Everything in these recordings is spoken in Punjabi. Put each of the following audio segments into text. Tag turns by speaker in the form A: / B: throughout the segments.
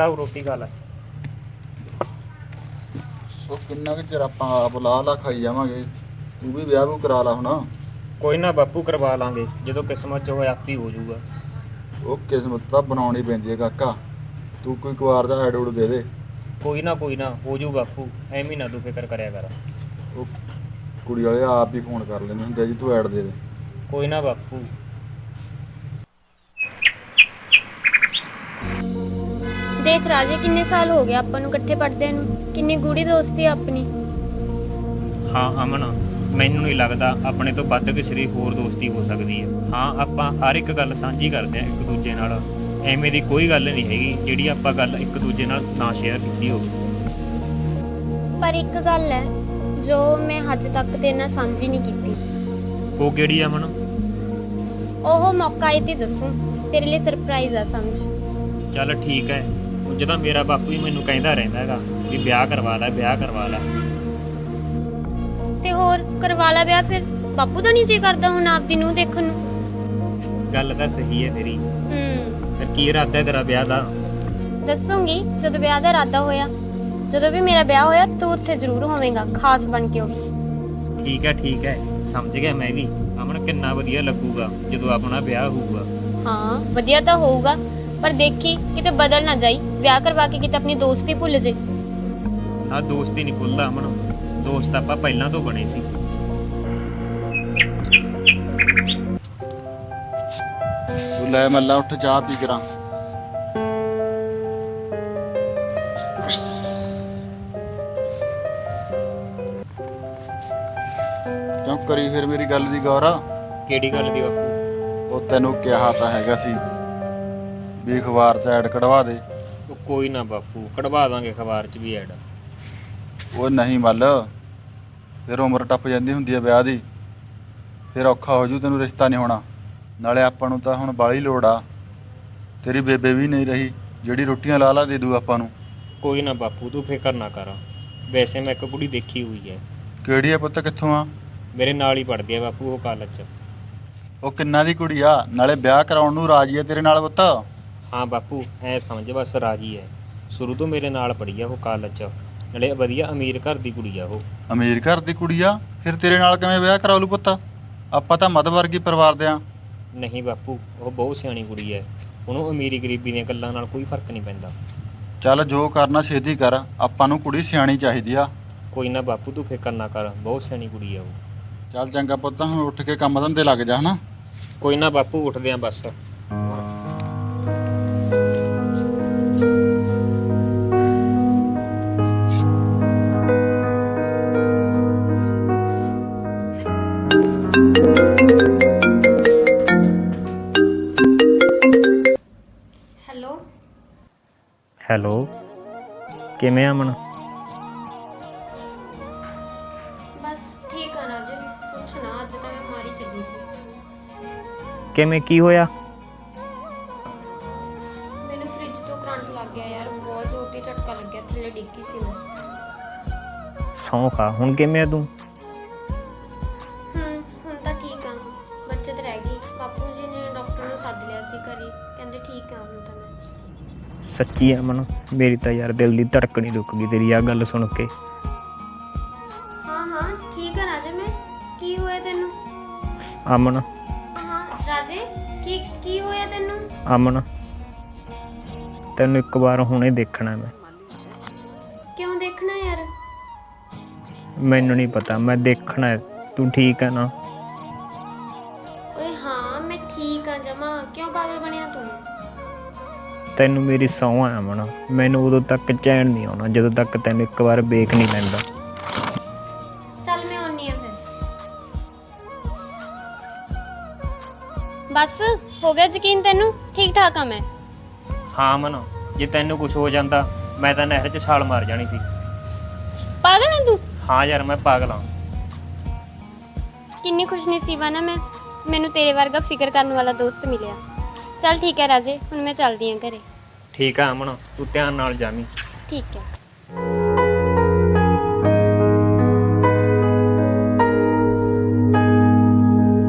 A: ਫੜਾਓ ਰੋਟੀ ਖਾ ਲੈ।
B: ਉਹ ਕਿੰਨਾ ਕੁ ਚਿਰ ਆਪਾਂ ਆਪ ਲਾ ਖਾਈ ਜਾਵਾਂਗੇ। ਤੂੰ ਵੀ ਵਿਆਹ ਵੀ ਕਰਾ ਲਾ ਹੁਣ।
A: ਕੋਈ ਨਾ ਬਾਪੂ, ਕਰਵਾ ਲਾਂਗੇ, ਜਦੋਂ ਕਿਸਮਤ 'ਚ ਹੋਇਆ ਆਪੇ ਹੋ ਜਾਊਗਾ।
B: ਉਹ ਕਿਸਮਤ ਤਾਂ ਬਣਾਉਣੀ ਪੈਂਦੀ ਹੈ ਕਾਕਾ। ਤੂੰ ਕੋਈ ਕੁਆਰ ਦਾ ਐਡ ਉਡ ਦੇ ਦੇ।
A: ਕੋਈ ਨਾ ਹੋ ਜੂ ਬਾਪੂ, ਐਵੇਂ ਨਾ ਤੂੰ ਫਿਕਰ ਕਰਿਆ ਕਰ।
B: ਉਹ ਕੁੜੀ ਵਾਲੇ ਆਪ ਹੀ ਫੋਨ ਕਰ ਲੈਂਦੇ ਹੁੰਦੇ ਜੀ, ਤੂੰ ਐਡ ਦੇ ਦੇ।
A: ਕੋਈ ਨਾ ਬਾਪੂ।
C: ਦੇਖ ਰਾਜੇ, ਕਿੰਨੇ ਸਾਲ ਹੋ ਗਏ ਆਪਾਂ ਨੂੰ ਇਕੱਠੇ ਪੜ੍ਹਦਿਆਂ ਨੂੰ, ਕਿੰਨੀ ਗੂੜੀ ਦੋਸਤੀ ਆ ਆਪਣੀ।
A: ਹਾਂ ਅਮਨ, ਮੈਨੂੰ ਨਹੀਂ ਲੱਗਦਾ ਆਪਣੇ ਤੋਂ ਵੱਧ ਕਿਸੇ ਦੀ ਹੋਰ ਦੋਸਤੀ ਹੋ ਸਕਦੀ ਹੈ। ਹਾਂ, ਆਪਾਂ ਹਰ ਇੱਕ ਗੱਲ ਸਾਂਝੀ ਕਰਦੇ ਹਾਂ ਇੱਕ ਦੂਜੇ ਨਾਲ। ਐਵੇਂ ਦੀ ਕੋਈ ਗੱਲ ਨਹੀਂ ਹੈਗੀ ਜਿਹੜੀ ਆਪਾਂ ਗੱਲ ਇੱਕ ਦੂਜੇ ਨਾਲ ਨਾ ਸ਼ੇਅਰ ਕੀਤੀ ਹੋਵੇ।
C: ਪਰ ਇੱਕ ਗੱਲ ਹੈ ਜੋ ਮੈਂ ਅੱਜ ਤੱਕ ਤੇਰੇ ਨਾਲ ਸਾਂਝੀ ਨਹੀਂ ਕੀਤੀ।
A: ਉਹ ਕਿਹੜੀ ਆ ਅਮਨ?
C: ਉਹ ਮੌਕਾ ਆਏ ਤੇ ਦੱਸੂ, ਤੇਰੇ ਲਈ ਸਰਪ੍ਰਾਈਜ਼ ਆ ਸਮਝ।
A: ਚੱਲ ਠੀਕ ਹੈ। ਉਂਝ ਤਾਂ ਮੇਰਾ ਬਾਪੂ ਹੀ ਮੈਨੂੰ ਕਹਿੰਦਾ ਰਹਿੰਦਾ ਹੈਗਾ ਵੀ ਵਿਆਹ ਕਰਵਾ ਲੈ, ਵਿਆਹ ਕਰਵਾ ਲੈ।
C: ਤੇ ਹੋਰ ਕਰਵਾ ਲਾ ਵਿਆਹ ਫਿਰ। ਬਾਪੂ ਦਾ ਨਹੀਂ ਜੀ ਕਰਦਾ ਹੁਣ ਆਪਦੀ ਨੂੰ ਦੇਖਣ ਨੂੰ।
A: ਗੱਲ ਤਾਂ ਸਹੀ ਹੈ ਤੇਰੀ। ਫਿਰ ਕੀ ਇਰਾਦਾ ਹੈ ਤੇਰਾ ਵਿਆਹ ਦਾ?
C: ਦੱਸੂਗੀ ਜਦੋਂ ਵਿਆਹ ਦਾ ਇਰਾਦਾ ਹੋਇਆ। ਜਦੋਂ ਵੀ ਮੇਰਾ ਵਿਆਹ ਹੋਇਆ ਤੂੰ ਉੱਥੇ ਜ਼ਰੂਰ ਹੋਵੇਂਗਾ, ਖਾਸ ਬਣ ਕੇ। ਉਹ ਵੀ
A: ਠੀਕ ਹੈ, ਸਮਝ ਗਿਆ ਮੈਂ ਵੀ। ਅਮਨ, ਕਿੰਨਾ ਵਧੀਆ ਲੱਗੂਗਾ ਜਦੋਂ ਆਪਣਾ ਵਿਆਹ ਹੋਊਗਾ।
C: ਹਾਂ, ਵਧੀਆ ਤਾਂ ਹੋਊਗਾ, ਪਰ ਦੇਖੀ ਕਿਤੇ ਬਦਲ ਨਾ ਜਾਈ, ਵਿਆਹ ਕਰਵਾ ਕੇ ਕਿਤੇ ਆਪਣੀ ਦੋਸਤੀ ਭੁੱਲ ਜੇ।
A: ਆਹ ਦੋਸਤੀ ਨਹੀਂ ਭੁੱਲਦਾ ਅਮਨ, ਦੋਸਤ ਆਪਾਂ ਪਹਿਲਾਂ ਤੋਂ ਬਣੇ ਸੀ।
B: ਤੂੰ ਲੈ ਮੱਲਾ, ਉੱਠ ਚਾਹ ਪੀ ਕਰਾਂ। ਕਿਉਂ ਕਰੀ ਫਿਰ ਮੇਰੀ ਗੱਲ ਦੀ ਗੌਰ?
A: ਕਿਹੜੀ ਗੱਲ ਦੀ ਬਾਪੂ?
B: ਉਹ ਤੈਨੂੰ ਕਿਹਾ ਤਾਂ ਹੈਗਾ ਸੀ ਵੀ ਅਖਬਾਰ 'ਚ ਐਡ ਕਢਵਾ ਦੇ।
A: ਉਹ ਕੋਈ ਨਾ ਬਾਪੂ, ਕਢਵਾ ਦਾਂਗੇ ਅਖਬਾਰ 'ਚ ਵੀ ਐਡ।
B: ਉਹ ਨਹੀਂ ਮੱਲ, ਫਿਰ ਉਮਰ ਟੱਪ ਜਾਂਦੀ ਹੁੰਦੀ ਹੈ ਵਿਆਹ ਦੀ, ਫਿਰ ਔਖਾ ਹੋ ਜੂ, ਤੈਨੂੰ ਰਿਸ਼ਤਾ ਨਹੀਂ ਹੋਣਾ। ਨਾਲੇ ਆਪਾਂ ਨੂੰ ਤਾਂ ਹੁਣ ਬਾਹਲੀ ਲੋੜ ਆ। ਤੇਰੀ ਬੇਬੇ ਵੀ ਨਹੀਂ ਰਹੀ ਜਿਹੜੀ ਰੋਟੀਆਂ ਲਾ ਦੇ ਦੂ ਆਪਾਂ ਨੂੰ।
A: ਕੋਈ ਨਾ ਬਾਪੂ, ਤੂੰ ਫਿਕਰ ਨਾ ਕਰ। ਵੈਸੇ ਮੈਂ ਇੱਕ ਕੁੜੀ ਦੇਖੀ ਹੋਈ ਹੈ।
B: ਕਿਹੜੀ ਆ ਪੁੱਤ, ਕਿੱਥੋਂ ਆ?
A: ਮੇਰੇ ਨਾਲ ਹੀ ਪੜ੍ਹਦੀ ਹੈ ਬਾਪੂ, ਉਹ ਕਾਲਜ 'ਚ।
B: ਉਹ ਕਿੰਨਾ ਦੀ ਕੁੜੀ ਆ? ਨਾਲੇ ਵਿਆਹ ਕਰਾਉਣ ਨੂੰ ਰਾਜੀ ਆ ਤੇਰੇ ਨਾਲ ਪੁੱਤ?
A: ਹਾਂ ਬਾਪੂ, ਐ ਸਮਝ ਬਸ ਰਾਜੀ ਹੈ। ਸ਼ੁਰੂ ਤੋਂ ਮੇਰੇ ਨਾਲ ਪੜ੍ਹੀ ਆ ਉਹ ਕਾਲਜ 'ਚ। ਨਾਲੇ ਵਧੀਆ ਅਮੀਰ ਘਰ ਦੀ ਕੁੜੀ ਆ ਉਹ।
B: ਅਮੀਰ ਘਰ ਦੀ ਕੁੜੀ ਆ? ਫਿਰ ਤੇਰੇ ਨਾਲ ਕਿਵੇਂ ਵਿਆਹ ਕਰਾ ਲੂ ਪੁੱਤ? ਆਪਾਂ ਤਾਂ ਮੱਧ ਵਰਗੀ ਪਰਿਵਾਰ ਦੇ ਆ।
A: ਨਹੀਂ ਬਾਪੂ, ਉਹ ਬਹੁਤ ਸਿਆਣੀ ਕੁੜੀ ਹੈ। ਉਹਨੂੰ ਅਮੀਰੀ ਗਰੀਬੀ ਦੀਆਂ ਗੱਲਾਂ ਨਾਲ ਕੋਈ ਫਰਕ ਨਹੀਂ ਪੈਂਦਾ।
B: ਚੱਲ ਜੋ ਕਰਨਾ ਛੇਤੀ ਕਰ, ਆਪਾਂ ਨੂੰ ਕੁੜੀ ਸਿਆਣੀ ਚਾਹੀਦੀ ਆ।
A: ਕੋਈ ਨਾ ਬਾਪੂ, ਤੂੰ ਫਿਕਰ ਨਾ ਕਰ, ਬਹੁਤ ਸਿਆਣੀ ਕੁੜੀ ਆ ਉਹ।
B: ਚੱਲ ਚੰਗਾ ਪੁੱਤ, ਹੁਣ ਉੱਠ ਕੇ ਕੰਮ ਧੰਦੇ ਲੱਗ ਜਾ ਹਨਾ।
A: ਕੋਈ ਨਾ ਬਾਪੂ, ਉੱਠਦੇ ਆਂ ਬਸ। ਹੈਲੋ, ਕਿਵੇਂ ਅਮਨ?
C: ਬਸ ਠੀਕ ਆ ਰਾਜੇ, ਕੁਛ ਨਾ, ਅੱਜ ਤਾਂ ਮੈਂ ਮਾਰੀ ਚੱਲੀ ਸੀ।
A: ਕਿਵੇਂ, ਕੀ ਹੋਇਆ?
C: ਮੈਨੂੰ ਫ੍ਰਿਜ ਤੋਂ ਕਰੰਟ ਲੱਗ ਗਿਆ ਯਾਰ, ਬਹੁਤ ਜ਼ੋਰ ਦੀ ਝਟਕਾ ਲੱਗਿਆ, ਥੱਲੇ ਡਿੱਗੀ ਸੀ ਮੈਂ।
A: ਸੌਂ ਖਾ, ਹੁਣ ਕਿਵੇਂ ਆ ਤੂੰ?
C: ਹੁਣ ਤਾਂ ਠੀਕ ਆ, ਬੱਚਤ ਰਹਿ ਗਈ। ਬਾਪੂ ਜੀ ਨੇ ਡਾਕਟਰ ਨੂੰ ਸੱਦ ਲਿਆ ਸੀ ਘਰੇ, ਕਹਿੰਦੇ ਠੀਕ ਆ ਹੁਣ ਤਾਂ ਮੈਂ।
A: ਸੱਚੀ ਅਮਨ, ਮੇਰੀ ਤਾਂ ਯਾਰ ਦਿਲ ਦੀ ਧੜਕਣ ਹੀ ਰੁਕ ਗਈ ਤੇਰੀ ਆਹ ਗੱਲ ਸੁਣ ਕੇ।
C: ਹਾਂ ਠੀਕ ਆ ਰਾਜੇ ਮੈਂ। ਕੀ ਹੋਇਆ ਤੈਨੂੰ?
A: ਅਮਨ।
C: ਹਾਂ ਰਾਜੇ, ਕੀ ਹੋਇਆ ਤੈਨੂੰ?
A: ਅਮਨ, ਤੈਨੂੰ ਇੱਕ ਵਾਰ ਹੁਣੇ ਦੇਖਣਾ ਮੈਂ।
C: ਕਿਉਂ ਦੇਖਣਾ ਯਾਰ?
A: ਮੈਨੂੰ ਨਹੀਂ ਪਤਾ, ਮੈਂ ਦੇਖਣਾ ਹੈ। ਤੂੰ ਠੀਕ ਹੈ ਨਾ?
C: ਓਏ ਹਾਂ, ਮੈਂ ਠੀਕ ਆ ਜਮਾ। ਕਿਉਂ ਪਾਗਲ ਬਣਿਆ ਤੂੰ?
A: ਤੈਨੂੰ ਮੇਰੀ ਸਹੁੰ ਹੈ ਅਮਨ, ਮੈਨੂੰ ਉਦੋਂ ਤੱਕ ਚੈਨ ਨਹੀਂ ਆਉਣਾ ਜਦੋਂ ਤੱਕ ਤੈਨੂੰ ਇੱਕ ਵਾਰ ਵੇਖ ਨਹੀਂ ਲੈਂਦਾ।
C: ਚੱਲ ਮੈਂ ਆਉਣੀ ਆ ਫਿਰ। ਬਸ ਹੋ ਗਿਆ ਯਕੀਨ ਤੈਨੂੰ? ਠੀਕ ਠਾਕ ਆ ਮੈਂ।
A: ਹਾਂ ਅਮਨ, ਜੇ ਤੈਨੂੰ ਕੁਝ ਹੋ ਜਾਂਦਾ ਮੈਂ ਤਾਂ ਨਹਿਰ 'ਚ ਛਾਲ ਮਾਰ ਜਾਣੀ ਸੀ।
C: ਪਾਗਲ ਹੈ ਤੂੰ?
A: ਹਾਂ ਯਾਰ, ਮੈਂ ਪਾਗਲ ਹਾਂ।
C: ਕਿੰਨੀ ਖੁਸ਼ਨਸੀਬ ਆ ਨਾ ਮੈਂ, ਮੈਨੂੰ ਤੇਰੇ ਵਰਗਾ ਫਿਕਰ ਕਰਨ ਵਾਲਾ ਦੋਸਤ ਮਿਲਿਆ। ਚੱਲ ਠੀਕ ਹੈ ਰਾਜੇ, ਹੁਣ ਮੈਂ ਚੱਲਦੀ ਆਂ ਘਰੇ।
A: ਠੀਕ ਆ ਅਮਨ, ਤੂੰ ਧਿਆਨ ਨਾਲ ਜਾਵੀਂ।
C: ਠੀਕ ਹੈ।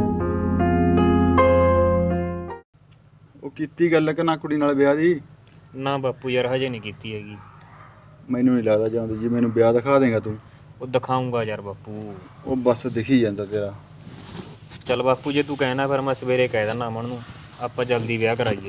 B: ਉਹ ਕੀਤੀ ਗੱਲ ਕਿ ਨਾ ਕੁੜੀ ਨਾਲ ਵਿਆਹ ਦੀ?
A: ਨਾ ਬਾਪੂ ਯਾਰ ਹਜੇ ਨਹੀਂ ਕੀਤੀ ਹੈਗੀ।
B: ਮੈਨੂੰ ਨਹੀਂ ਲੱਗਦਾ ਜਾਂਦੀ ਜੀ, ਮੈਨੂੰ ਵਿਆਹ ਦਿਖਾ ਦੇਗਾ ਤੂੰ।
A: ਉਹ ਦਿਖਾਊਂਗਾ ਯਾਰ ਬਾਪੂ।
B: ਉਹ ਬਸ ਦਿਖੀ ਜਾਂਦਾ ਤੇਰਾ।
A: ਚੱਲ ਬਾਪੂ ਜੇ ਤੂੰ ਕਹਿਣਾ ਫਿਰ ਮੈਂ ਸਵੇਰੇ ਕਹਿ ਦਿੰਦਾ ਅਮਨ ਨੂੰ, ਆਪਾਂ ਜਲਦੀ ਵਿਆਹ ਕਰਾਈਏ।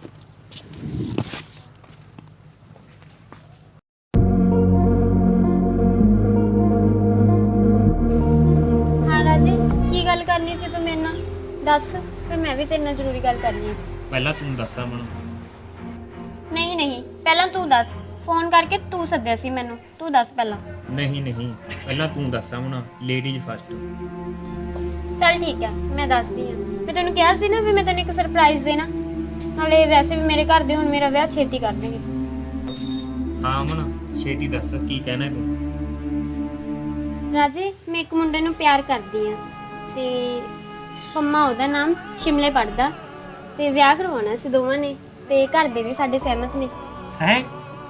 C: ਹਾਂ ਰਾਜੇ, ਕੀ ਗੱਲ ਕਰਨੀ ਸੀ ਤੂੰ ਮੇਰੇ ਨਾਲ? ਦੱਸ, ਫਿਰ ਮੈਂ ਵੀ ਤੇਰੇ ਨਾਲ ਜ਼ਰੂਰੀ ਗੱਲ ਕਰਨੀ ਹੈ।
A: ਪਹਿਲਾਂ ਤੂੰ ਦੱਸ ਅਮਨ।
C: ਨਹੀਂ ਨਹੀਂ, ਪਹਿਲਾਂ ਤੂੰ ਦੱਸ। ਫੋਨ ਕਰਕੇ ਤੂੰ ਸੱਦਿਆ ਸੀ ਮੈਨੂੰ, ਤੂੰ ਦੱਸ ਪਹਿਲਾਂ।
A: ਨਹੀਂ ਨਹੀਂ, ਪਹਿਲਾਂ ਤੂੰ ਦੱਸ ਅਮਨ, ਲੇਡੀਜ਼ ਫਸਟ।
C: ਚੱਲ ਠੀਕ ਹੈ, ਮੈਂ ਦੱਸਦੀ ਹਾਂ। ਮੈਂ ਤੈਨੂੰ ਕਿਹਾ ਸੀ ਨਾ ਵੀ ਮੈਂ ਤੈਨੂੰ ਇੱਕ ਸਰਪ੍ਰਾਈਜ਼ ਦੇਣਾ, ਨਾਲੇ ਵੈਸੇ ਵੀ ਮੇਰੇ ਘਰ ਦੇ ਹੁਣ ਮੇਰਾ ਵਿਆਹ ਛੇਤੀ ਕਰ ਦੇਣਗੇ।
A: ਹਾਂ ਅਮਨ, ਛੇਤੀ ਦੱਸ ਕੀ ਕਹਿਣਾ ਤੂੰ।
C: ਰਾਜੇ, ਮੈਂ ਇੱਕ ਮੁੰਡੇ ਨੂੰ ਪਿਆਰ ਕਰਦੀ ਆ ਤੇ ਪੰਮਾ ਉਹਦਾ ਨਾਮ, ਸ਼ਿਮਲੇ ਪੜਦਾ, ਤੇ ਵਿਆਹ ਕਰਵਾਉਣਾ ਸੀ ਦੋਵਾਂ ਨੇ, ਤੇ ਘਰ ਦੇ ਵੀ ਸਾਡੇ ਸਹਿਮਤ ਨੇ।
A: ਹੈ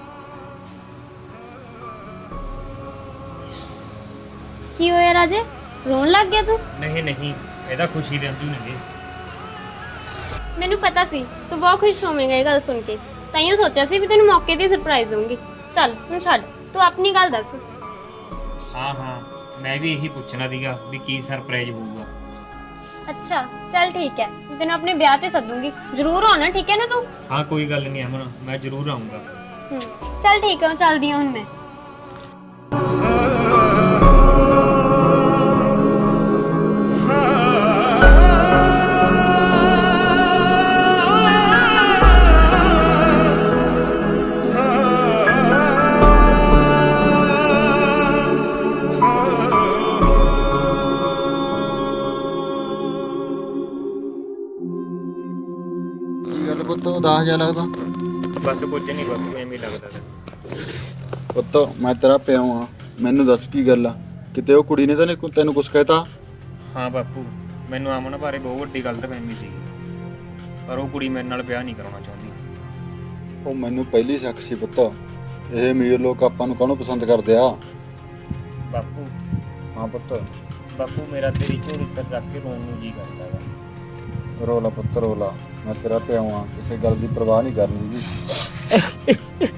C: ਕੀ ਹੋਇਆ ਰਾਜੇ, ਰੋਣ ਲੱਗ ਗਿਆ ਤੂੰ?
A: ਨਹੀਂ ਨਹੀਂ, ਇਹਦਾ ਖੁਸ਼ੀ ਦੇ ਅੰਜੂ ਨੇਗੇ।
C: ਮੈਨੂੰ ਪਤਾ ਸੀ ਤੂੰ ਬਹੁਤ ਖੁਸ਼ ਹੋਵੇਂਗਾ ਇਹ ਗੱਲ ਸੁਣ ਕੇ, ਤਾਈਓ ਸੋਚਿਆ ਸੀ ਵੀ ਤੈਨੂੰ ਮੌਕੇ ਤੇ ਸਰਪ੍ਰਾਈਜ਼ ਦਊਂਗੀ। ਚੱਲ ਹੁਣ ਛੱਡ, ਤੂੰ ਆਪਣੀ ਗੱਲ ਦੱਸ।
A: ਹਾਂ ਹਾਂ, ਮੈਂ ਵੀ ਇਹੀ ਪੁੱਛਣਾ ਸੀਗਾ ਵੀ ਕੀ ਸਰਪ੍ਰਾਈਜ਼ ਹੋਊਗਾ।
C: ਅੱਛਾ ਚੱਲ ਠੀਕ ਹੈ, ਮੈਂ ਤੈਨੂੰ ਆਪਣੇ ਵਿਆਹ ਤੇ ਸੱਦੂੰਗੀ, ਜ਼ਰੂਰ ਆਉਣਾ, ਠੀਕ ਹੈ ਨਾ ਤੂੰ?
A: ਹਾਂ ਕੋਈ ਗੱਲ ਨਹੀਂ ਅਮਨ, ਮੈਂ ਜ਼ਰੂਰ ਆਉਂਗਾ।
C: ਚੱਲ ਠੀਕ ਹੈ, ਚੱਲਦੀ ਹਾਂ ਹੁਣ ਮੈਂ।
B: ਕੀ ਗੱਲ ਪੁੱਤ, ਉਦਾਸ ਜਿਹਾ ਲੱਗਦਾ?
A: ਬਸ ਕੁਝ ਨਹੀਂ ਬਾਪੂ, ਐਵੇਂ ਹੀ ਲੱਗਦਾ ਤਾ।
B: ਪੁੱਤ ਮੈਂ ਤੇਰਾ ਪਿਓ ਆ, ਮੈਨੂੰ ਦੱਸ ਕੀ ਗੱਲ ਆ? ਕਿਤੇ ਉਹ ਕੁੜੀ ਨੇ ਤਾਂ ਨਹੀਂ ਤੈਨੂੰ ਕੁਛ ਕਹਿਤਾ?
A: ਹਾਂ ਬਾਪੂ, ਮੈਨੂੰ ਅਮਨ ਬਾਰੇ ਬਹੁਤ ਵੱਡੀ ਗਲਤਫਹਿਮੀ ਸੀ, ਪਰ ਉਹ ਕੁੜੀ ਮੇਰੇ ਨਾਲ ਵਿਆਹ ਨਹੀਂ ਕਰਾਉਣਾ ਚਾਹੁੰਦੀ।
B: ਉਹ ਮੈਨੂੰ ਪਹਿਲੀ ਸ਼ੱਕ ਸੀ ਪੁੱਤ, ਇਹ ਅਮੀਰ ਲੋਕ ਆਪਾਂ ਨੂੰ ਕਾਹਨੂੰ ਪਸੰਦ ਕਰਦੇ ਆ।
A: ਬਾਪੂ
B: ਹਾਂ ਪੁੱਤ।
A: ਬਾਪੂ ਮੇਰਾ ਤੇਰੀ ਝੋਲੀ ਸਿਰ ਰੱਖ ਕੇ ਰੋਣ ਨੂੰ ਜੀ ਕਰਦਾ ਵਾ।
B: ਰੋਲਾ ਪੁੱਤ ਰੋਲਾ, ਮੈਂ ਤੇਰਾ ਪਿਓ ਆ, ਕਿਸੇ ਗੱਲ ਦੀ ਪਰਵਾਹ ਨਹੀਂ ਕਰਨੀ ਜੀ।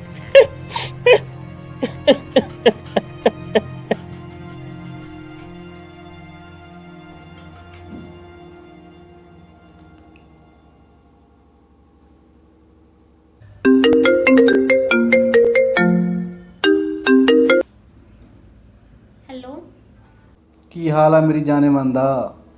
C: ਹੈਲੋ,
D: ਕੀ ਹਾਲ ਆ ਮੇਰੀ ਜਾਨੇ ਮਨ ਦਾ?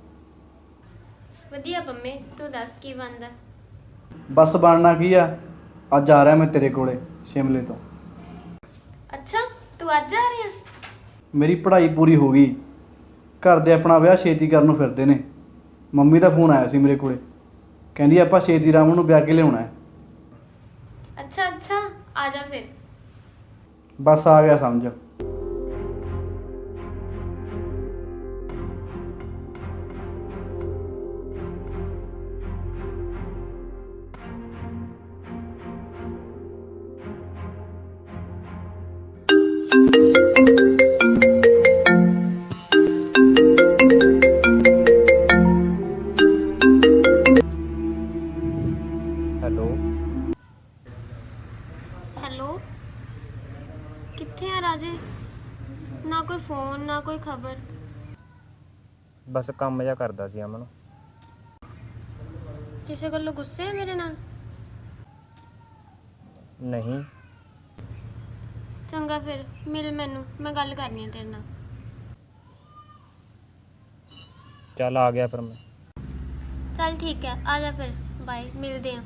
C: ਵਧੀਆ ਪੰਮੇ, ਤੂੰ ਦੱਸ ਕੀ ਬਣਦਾ?
D: ਬਸ ਬਣਨਾ ਕੀ ਆ, ਅੱਜ ਆ ਰਿਹਾ ਮੈਂ ਤੇਰੇ ਕੋਲੇ ਸ਼ਿਮਲੇ ਤੋਂ।
C: ਅੱਛਾ, ਤੂੰ ਅੱਜ ਆ ਰਿਹਾ?
D: ਮੇਰੀ ਪੜ੍ਹਾਈ ਪੂਰੀ ਹੋ ਗਈ, ਘਰ ਦੇ ਆਪਣਾ ਵਿਆਹ ਛੇਤੀ ਕਰਨ ਨੂੰ ਫਿਰਦੇ ਨੇ। ਮੰਮੀ ਦਾ ਫੋਨ ਆਇਆ ਸੀ ਮੇਰੇ ਕੋਲੇ, ਕਹਿੰਦੀ ਆਪਾਂ ਛੇਤੀ ਰਾਮ ਨੂੰ ਵਿਆਹ ਕੇ ਲਿਆਉਣਾ ਹੈ।
C: ਅੱਛਾ ਅੱਛਾ, ਆ ਜਾ ਫਿਰ।
D: ਬਸ ਆ ਗਿਆ ਸਮਝ।
A: ਹੈਲੋ
C: ਹੈਲੋ, ਕਿੱਥੇ ਆ ਰਾਜੇ? ਨਾ ਕੋਈ ਫੋਨ, ਨਾ ਕੋਈ ਖਬਰ।
A: ਬਸ ਕੰਮ ਜਿਹਾ ਕਰਦਾ ਸੀ ਅਮਨ।
C: ਕਿਸੇ ਗੱਲੋਂ ਗੁੱਸੇ ਆ ਮੇਰੇ ਨਾਲ?
A: ਨਹੀਂ।
C: ਚੰਗਾ ਫਿਰ ਮਿਲ ਮੈਨੂੰ, ਮੈਂ ਗੱਲ ਕਰਨੀ ਹੈ ਤੇਰੇ ਨਾਲ।
A: ਚੱਲ ਆ ਗਿਆ ਫਿਰ ਮੈਂ।
C: ਚੱਲ ਠੀਕ ਹੈ, ਆ ਜਾ ਫਿਰ, ਬਾਏ, ਮਿਲਦੇ ਹਾਂ।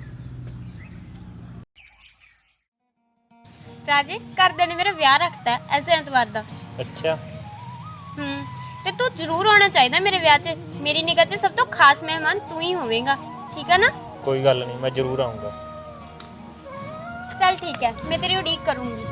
C: ਰਾਜੇ, ਘਰਦਿਆਂ ਨੇ ਮੇਰਾ ਵਿਆਹ ਰੱਖਤਾ ਐਸੇ ਐਤਵਾਰ ਦਾ।
A: ਅੱਛਾ।
C: ਤੇ ਤੂੰ ਜ਼ਰੂਰ ਆਉਣਾ ਚਾਹੀਦਾ ਮੇਰੇ ਵਿਆਹ 'ਚ। ਮੇਰੀ ਨਿਗਾਹ 'ਚ ਸਭ ਤੋਂ ਖਾਸ ਮਹਿਮਾਨ ਤੂੰ ਹੀ ਹੋਵੇਂਗਾ, ਠੀਕ ਹੈ ਨਾ?
A: ਕੋਈ ਗੱਲ ਨਹੀਂ, ਮੈਂ ਜ਼ਰੂਰ ਆਉਂਗਾ।
C: ਚੱਲ ਠੀਕ ਹੈ, ਮੈਂ ਤੇਰੀ ਉਡੀਕ ਕਰੂੰਗੀ।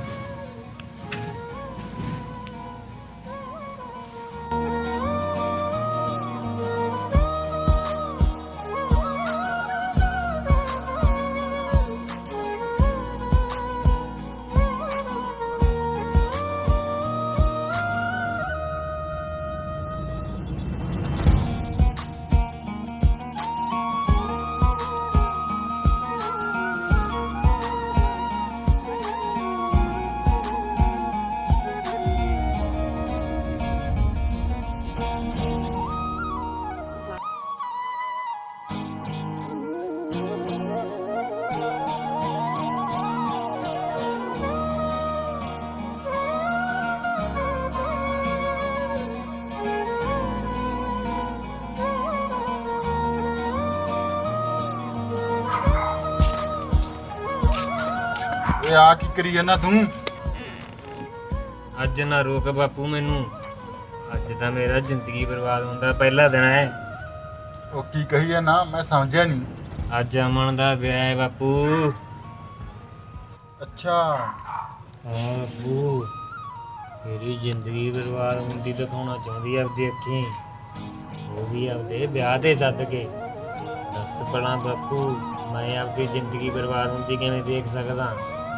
B: ਓਏ ਆ ਕੀ ਕਰੀ ਜਾਂਦਾ ਤੂੰ?
A: ਅੱਜ ਨਾ ਰੋਕ ਬਾਪੂ ਮੈਨੂੰ, ਅੱਜ ਤਾਂ ਮੇਰਾ ਜ਼ਿੰਦਗੀ ਬਰਬਾਦ ਹੁੰਦਾ ਪਹਿਲਾ ਦਿਨ ਹੈ।
B: ਉਹ ਕੀ ਕਹੀ ਜਾਂਦਾ ਮੈਂ ਸਮਝਿਆ ਨਹੀਂ।
A: ਅੱਜ ਅਮਨ ਦਾ ਵਿਆਹ ਹੈ ਬਾਪੂ।
B: ਅੱਛਾ
A: ਹਾਂ ਬਾਪੂ, ਮੇਰੀ ਜ਼ਿੰਦਗੀ ਬਰਬਾਦ ਹੁੰਦੀ ਦਿਖਾਉਣਾ ਚਾਹੁੰਦੀ ਆ ਆਪਦੀ ਅੱਖੀਂ, ਉਹ ਵੀ ਆਪਦੇ ਵਿਆਹ ਤੇ ਸੱਦ ਕੇ। ਦੱਸ ਭਲਾ ਬਾਪੂ, ਮੈਂ ਆਪਦੀ ਜ਼ਿੰਦਗੀ ਬਰਬਾਦ ਹੁੰਦੀ ਕਿਵੇਂ ਦੇਖ ਸਕਦਾ?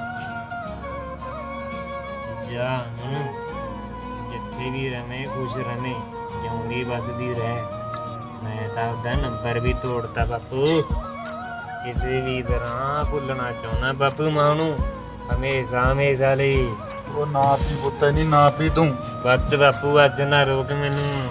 A: ਜਾ ਅਮਨ, ਜਿੱਥੇ ਵੀ ਰਵੇਂ ਖੁਸ਼ ਰਵੇਂ, ਜਿਉਂਦੀ ਵਸਦੀ ਰਹਿ। ਮੈਂ ਤਾਂ ਉਹਦਾ ਨੰਬਰ ਵੀ ਤੋੜਤਾ ਬਾਪੂ, ਕਿਸੇ ਵੀ ਤਰ੍ਹਾਂ ਭੁੱਲਣਾ ਚਾਹੁੰਦਾ ਬਾਪੂ ਮਾਂ ਨੂੰ, ਹਮੇਸ਼ਾ ਹਮੇਸ਼ਾ ਲਈ।
B: ਉਹ ਨਾ ਪੀ ਪੁੱਤ, ਨਹੀਂ ਨਾ ਪੀ ਤੂੰ।
A: ਬਸ ਬਾਪੂ ਅੱਜ ਨਾ ਰੋਕ ਮੈਨੂੰ।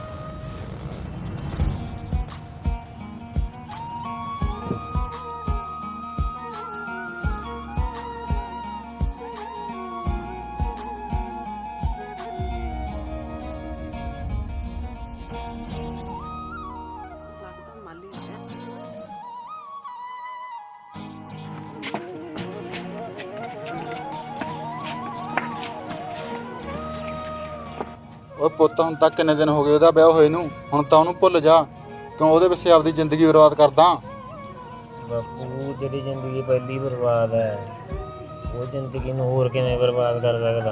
B: ਓਏ ਪੁੱਤ, ਹੁਣ ਤੱਕ ਕਿੰਨੇ ਦਿਨ ਹੋ ਗਏ ਉਹਦਾ ਵਿਆਹ ਹੋਏ ਨੂੰ? ਹੁਣ ਤਾਂ ਉਹਨੂੰ ਭੁੱਲ ਜਾ, ਕਿਉਂ ਉਹਦੇ ਪਿੱਛੇ ਆਪਦੀ ਜ਼ਿੰਦਗੀ ਬਰਬਾਦ ਕਰਦਾ?
A: ਬਾਪੂ ਜਿਹੜੀ ਜ਼ਿੰਦਗੀ ਪਹਿਲੀ ਬਰਬਾਦ ਹੈ, ਉਹ ਜ਼ਿੰਦਗੀ ਨੂੰ ਹੋਰ ਕਿਵੇਂ ਬਰਬਾਦ ਕਰ ਸਕਦਾ?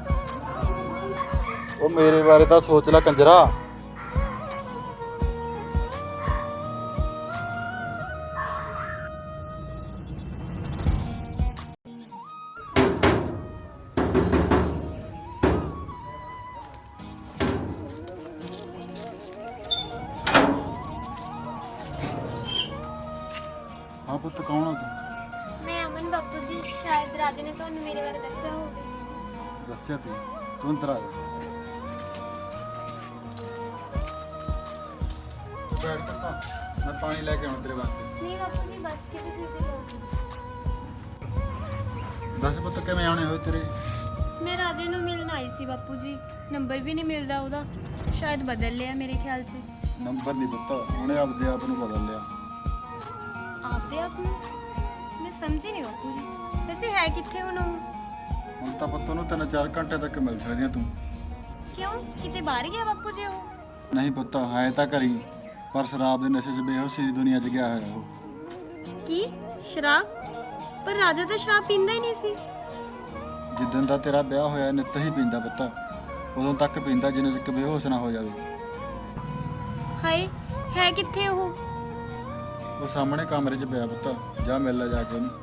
B: ਉਹ ਮੇਰੇ ਬਾਰੇ ਤਾਂ ਸੋਚ ਲੈ ਕੰਜਰਾ। ਹਾਂ ਪੁੱਤ, ਕੌਣ ਆ ਤੂੰ?
C: ਮੈਂ ਅਮਨ ਬਾਪੂ ਜੀ, ਸ਼ਾਇਦ ਰਾਜੇ ਨੇ ਤੁਹਾਨੂੰ ਮੇਰੇ ਬਾਰੇ ਦੱਸਿਆ ਹੋਵੇ।
B: ਦੱਸਿਆ ਤੂੰ ਅੰਦਰ ਆ ਜਾ। ਬੈਠ ਪੁੱਤ, ਮੈਂ ਪਾਣੀ ਲੈ ਕੇ ਆਉਣਾ ਤੇਰੇ ਵਾਸਤੇ।
C: ਨਹੀਂ ਬਾਪੂ ਜੀ, ਬਸ ਕਿਸੇ ਚੀਜ਼ ਦੀ ਲੋੜ ਨਹੀਂ।
B: ਦੱਸ ਪੁੱਤ, ਕਿਵੇਂ ਆਉਣੇ ਹੋਏ ਤੇਰੇ?
E: ਮੈਂ ਰਾਜੇ ਨੂੰ ਮਿਲਣ ਆਈ ਸੀ ਬਾਪੂ ਜੀ, ਨੰਬਰ ਵੀ ਨਹੀਂ ਮਿਲਦਾ ਉਹਦਾ, ਸ਼ਾਇਦ ਬਦਲ ਲਿਆ ਮੇਰੇ ਖਿਆਲ 'ਚ।
B: ਨੰਬਰ ਨਹੀਂ ਪੁੱਤ, ਉਹਨੇ ਆਪਦੇ ਆਪ ਨੂੰ ਬਦਲ ਲਿਆ।
E: ਆਪਦੇ ਆਪ ਨੂੰ? ਮੈਂ ਸਮਝੀ ਨਹੀਂ ਬਾਪੂ ਜੀ, ਵੈਸੇ ਹੈ ਕਿੱਥੇ ਹੁਣ ਉਹ?
B: ਹੁਣ ਤਾਂ ਪੁੱਤ ਉਹਨੂੰ 3-4 ਘੰਟੇ ਤੱਕ ਮਿਲ ਸਕਦੀ ਆ ਤੂੰ।
E: ਕਿਉਂ, ਕਿਤੇ ਬਾਹਰ ਗਿਆ ਬਾਪੂ ਜੀ ਉਹ?
B: ਨਹੀਂ ਪੁੱਤ, ਹੈ ਤਾਂ ਘਰੀ, ਪਰ ਸ਼ਰਾਬ ਦੇ ਨਸ਼ੇ 'ਚ ਬੇਹੋਸ਼ੀ ਦੀ ਦੁਨੀਆ 'ਚ ਗਿਆ ਹੋਇਆ ਉਹ।
E: ਕੀ ਸ਼ਰਾਬ? ਪਰ ਰਾਜਾ ਤਾਂ ਸ਼ਰਾਬ ਪੀਂਦਾ ਹੀ ਨਹੀਂ ਸੀ।
B: ਜਿੱਦਣ ਦਾ ਤੇਰਾ ਵਿਆਹ ਹੋਇਆ ਨਿੱਤ ਹੀ ਪੀਂਦਾ ਪੁੱਤ, ਉਦੋਂ ਤੱਕ ਪੀਂਦਾ ਜਿੰਨੇ ਤੱਕ ਬੇਹੋਸ਼ ਨਾ ਹੋ ਜਾਵੇ।
E: ਹਾਏ, ਹੈ ਕਿੱਥੇ ਉਹ?
B: ਉਹ ਸਾਹਮਣੇ ਕਮਰੇ 'ਚ ਪਿਆ ਪੁੱਤ, ਜਾ ਮਿਲ ਲੈ ਜਾ ਕੇ ਉਹਨੂੰ।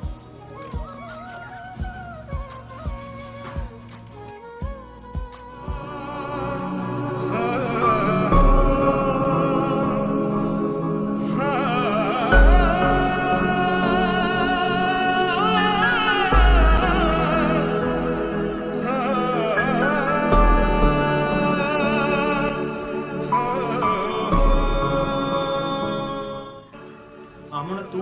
A: ਅਮਨ ਤੂੰ?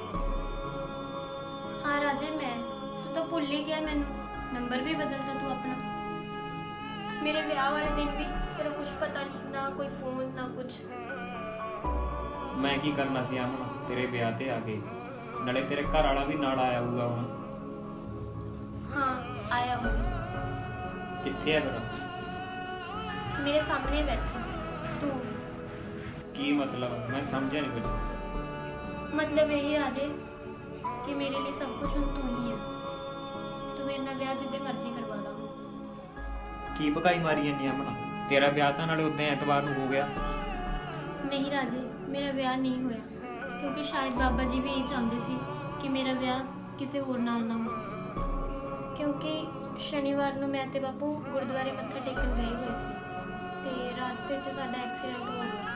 E: ਹਾਂ ਰਾਜੇ, ਮੈਂ। ਤੂੰ ਤਾਂ ਭੁੱਲ ਹੀ ਗਿਆ ਮੈਨੂੰ, ਨੰਬਰ ਵੀ ਬਦਲਤਾ ਤੂੰ ਆਪਣਾ। ਮੇਰੇ ਵਿਆਹ ਵਾਲੇ ਦਿਨ ਵੀ ਤੇਰਾ ਕੁਝ ਪਤਾ ਨਹੀਂ, ਨਾ ਕੋਈ ਫੋਨ ਨਾ ਕੁਝ।
A: ਮੈਂ ਕੀ ਕਰਨਾ ਸੀ ਅਮਨ ਤੇਰੇ ਵਿਆਹ ਤੇ ਆ ਕੇ? ਨਾਲੇ ਤੇਰੇ ਘਰ ਵਾਲਾ ਵੀ ਨਾਲ ਆਇਆ ਹੋਊਗਾ ਹੁਣ।
E: ਹਾਂ, ਆਇਆ ਹੋਵੇ।
A: ਕਿੱਥੇ ਆ ਫਿਰ?
E: ਮੇਰੇ ਸਾਹਮਣੇ ਬੈਠਾ ਤੂੰ।
A: ਕੀ ਮਤਲਬ? ਮੈਂ ਸਮਝਿਆ ਨਹੀਂ ਕੁਝ।
E: ਮਤਲਬ ਇਹ ਰਾਜੇ ਕਿ ਮੇਰੇ ਲਈ ਸਭ ਕੁਝ ਹੁਣ ਤੂੰ ਹੀ ਹੈ। ਤੂੰ ਮੇਰੇ ਨਾਲ ਵਿਆਹ ਜਿੱਦੇ ਮਰਜ਼ੀ ਕਰਵਾ ਲਾ।
A: ਕੀ ਭਕਾਈ ਮਾਰੀ ਜਾਂਦੀ ਅਮਨ? ਤੇਰਾ ਵਿਆਹ ਤਾਂ ਨਾਲੇ ਉਦੋਂ ਐਤਵਾਰ ਨੂੰ ਹੋ ਗਿਆ।
E: ਨਹੀਂ ਰਾਜੇ, ਮੇਰਾ ਵਿਆਹ ਨਹੀਂ ਹੋਇਆ, ਕਿਉਂਕਿ ਸ਼ਾਇਦ ਬਾਬਾ ਜੀ ਵੀ ਇਹ ਚਾਹੁੰਦੇ ਸੀ ਕਿ ਮੇਰਾ ਵਿਆਹ ਕਿਸੇ ਹੋਰ ਨਾਲ ਨਾ ਹੋਵੇ। ਕਿਉਂਕਿ ਸ਼ਨੀਵਾਰ ਨੂੰ ਮੈਂ ਤੇ ਬਾਪੂ ਗੁਰਦੁਆਰੇ ਮੱਥਾ ਟੇਕਣ ਗਏ ਹੋਏ ਸੀ ਤੇ ਰਸਤੇ 'ਚ ਸਾਡਾ ਐਕਸੀਡੈਂਟ ਹੋ ਗਿਆ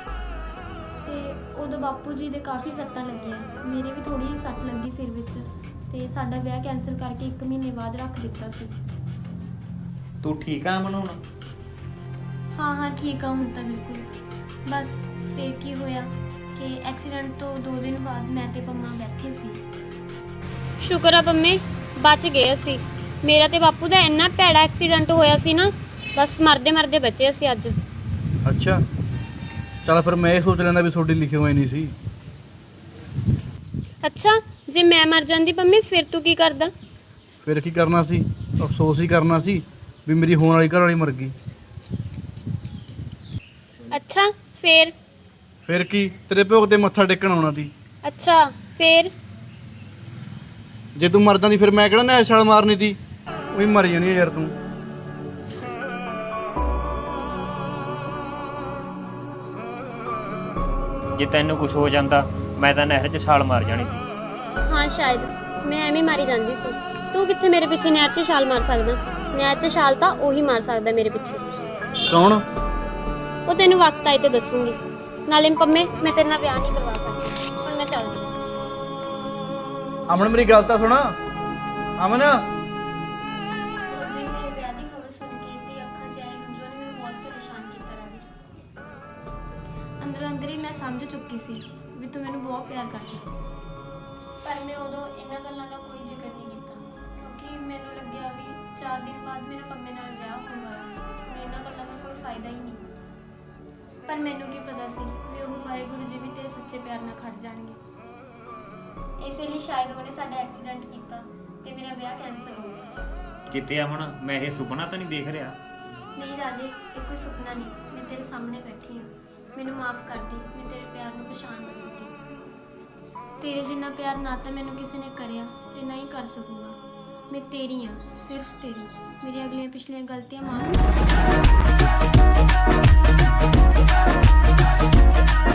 E: ਤੇ ਉਦੋਂ ਬਾਪੂ ਜੀ ਦੇ ਕਾਫੀ ਸੱਟਾਂ ਲੱਗੀਆਂ, ਮੇਰੇ ਵੀ ਥੋੜੀ ਜਿਹੀ ਸੱਟ ਲੱਗੀ ਸਿਰ ਵਿੱਚ, ਤੇ ਸਾਡਾ ਵਿਆਹ ਕੈਂਸਲ ਕਰਕੇ 1 ਮਹੀਨੇ ਬਾਅਦ ਰੱਖ ਦਿੱਤਾ ਸੀ।
A: ਤੂੰ ਠੀਕ ਆ ਅਮਨ ਹੁਣ?
E: ਹਾਂ ਠੀਕ ਆ ਹੁਣ ਤਾਂ ਬਿਲਕੁਲ। ਬਸ ਫਿਰ ਕੀ ਹੋਇਆ ਕਿ ਐਕਸੀਡੈਂਟ ਤੋਂ 2 ਦਿਨ ਬਾਅਦ ਮੈਂ ਤੇ ਪੰਮਾ ਬੈਠੇ ਸੀ।
C: ਸ਼ੁਕਰ ਆ ਪੰਮੇ, ਬਚ ਗਏ ਅਸੀਂ। ਮੇਰਾ ਤੇ ਬਾਪੂ ਦਾ ਇੰਨਾ ਭੈੜਾ ਐਕਸੀਡੈਂਟ ਹੋਇਆ ਸੀ ਨਾ, ਬਸ ਮਰਦੇ ਮਰਦੇ ਬਚੇ ਅਸੀਂ ਅੱਜ।
D: ਅੱਛਾ, ਚੱਲ ਫਿਰ ਮੈਂ ਇਹ ਸੋਚ ਲੈਂਦਾ ਵੀ ਤੁਹਾਡੀ ਲਿਖੀ ਹੋਈ ਨਹੀਂ ਸੀ।
C: ਅੱਛਾ, ਜੇ ਮੈਂ ਮਰ ਜਾਂਦੀ ਪੰਮੇ ਫਿਰ ਤੂੰ ਕੀ ਕਰਦਾ?
D: ਫਿਰ ਕੀ ਕਰਨਾ ਸੀ? ਅਫਸੋਸ ਹੀ ਕਰਨਾ ਸੀ ਵੀ ਮੇਰੀ ਹੋਣ ਵਾਲੀ ਘਰ ਵਾਲੀ ਮਰ ਗਈ।
C: ਅੱਛਾ ਫੇਰ?
D: ਫਿਰ ਕੀ, ਤੇਰੇ ਭੋਗ ਤੇ ਮੱਥਾ ਟੇਕਣ ਆਉਣਾ ਸੀ।
C: ਅੱਛਾ ਫੇਰ?
D: ਜੇ ਤੂੰ ਮਰਦਾ ਦੀ ਫਿਰ ਮੈਂ ਕਿਹੜਾ ਨਹਿਰ ਛਾਲ ਮਾਰਨੀ ਸੀ? ਉਹੀ ਮਰ ਜਾਣੀ ਆ ਯਾਰ ਤੂੰ।
A: ਜੇ ਤੈਨੂੰ ਕੁਝ ਹੋ ਜਾਂਦਾ ਮੈਂ ਤਾਂ ਨਹਿਰ 'ਚ ਛਾਲ ਮਾਰ ਜਾਣੀ ਸੀ।
C: ਹਾਂ ਸ਼ਾਇਦ ਮੈਂ ਐਵੇਂ ਮਾਰੀ ਜਾਂਦੀ ਸੀ। ਤੂੰ ਕਿੱਥੇ ਮੇਰੇ ਪਿੱਛੇ ਨਹਿਰ 'ਚ ਛਾਲ ਮਾਰ ਸਕਦਾ? ਨਹਿਰ 'ਚ ਛਾਲ ਤਾਂ ਉਹੀ ਮਾਰ ਸਕਦਾ ਮੇਰੇ ਪਿੱਛੇ।
D: ਕੌਣ?
C: ਉਹ ਤੈਨੂੰ ਵਕਤ ਆਏ ਤੇ ਦੱਸੂਗੀ। ਨਾਲੇ ਪੰਮੇ ਮੈਂ ਤੇਰੇ ਨਾਲ ਵਿਆਹ ਨਹੀਂ ਕਰਵਾ ਸਕਦੀ। ਹੁਣ ਮੈਂ ਚੱਲਦੀ।
D: ਅਮਨ ਮੇਰੀ ਗੱਲ ਤਾਂ ਸੁਣ। ਅਮਨ
E: ਉਸ ਦਿਨ ਮੇਰੇ ਵਿਆਹ ਦੀ ਖਬਰ ਸੁਣ ਕੇ ਤੇ ਅੱਖਾਂ 'ਚ ਆਏ ਹੰਝੂਆਂ ਨੇ ਮੈਨੂੰ ਬਹੁਤ ਪਰੇਸ਼ਾਨ ਕੀਤਾ ਰਾਜੇ। ਅੰਦਰੋਂ ਅੰਦਰ ਹੀ ਮੈਂ ਸਮਝ ਚੁੱਕੀ ਸੀ ਵੀ ਤੂੰ ਮੈਨੂੰ ਬਹੁਤ ਪਿਆਰ ਕਰਦੀ। ਪਰ ਮੈਂ ਉਦੋਂ ਇਹਨਾਂ ਗੱਲਾਂ ਦਾ ਕੋਈ ਜ਼ਿਕਰ ਨਹੀਂ ਕੀਤਾ ਕਿਉਂਕਿ ਮੈਨੂੰ ਲੱਗਿਆ ਵੀ 4 ਦਿਨ ਬਾਅਦ ਮੇਰੇ ਪੰਮੇ ਨਾਲ ਵਿਆਹ ਹੋਣ ਵਾਲਾ। ਹੁਣ ਇਹਨਾਂ ਗੱਲਾਂ ਦਾ ਕੋਈ ਫਾਇਦਾ ਹੀ ਨਹੀਂ। ਪਰ ਮੈਨੂੰ ਕੀ ਪਤਾ ਸੀ ਵੀ ਉਹ ਵਾਹਿਗੁਰੂ ਜੀ ਵੀ ਤੇਰੇ ਸੱਚੇ ਪਿਆਰ ਨਾਲ ਖੜ ਜਾਣਗੇ। ਇਸੇ ਲਈ ਸ਼ਾਇਦ ਉਹਨੇ ਸਾਡਾ ਐਕਸੀਡੈਂਟ ਕੀਤਾ ਤੇ ਮੇਰਾ ਵਿਆਹ ਕੈਂਸਲ ਹੋ ਗਿਆ।
A: ਕਿਤੇ ਅਮਨ ਮੈਂ ਇਹ ਸੁਪਨਾ ਤਾਂ ਨਹੀਂ ਦੇਖ ਰਿਹਾ?
E: ਨਹੀਂ ਰਾਜੇ, ਇਹ ਕੋਈ ਸੁਪਨਾ ਨਹੀਂ। ਮੈਂ ਤੇਰੇ ਸਾਹਮਣੇ ਬੈਠੀ ਹਾਂ। ਮੈਨੂੰ ਮਾਫ ਕਰ ਦੇ, ਮੈਂ ਤੇਰੇ ਪਿਆਰ ਨੂੰ ਪਛਾਣ ਨਾ ਸਕੀ। ਤੇਰੇ ਜਿੰਨਾ ਪਿਆਰ ਨਾ ਤਾਂ ਮੈਨੂੰ ਕਿਸੇ ਨੇ ਕਰਿਆ ਤੇ ਨਾ ਹੀ ਕਰ ਸਕੂਗਾ। ਮੈਂ ਤੇਰੀ ਹਾਂ, ਸਿਰਫ ਤੇਰੀ। ਮੇਰੀਆਂ ਅਗਲੀਆਂ ਪਿਛਲੀਆਂ ਗਲਤੀਆਂ ਮਾਫ ਕਰ।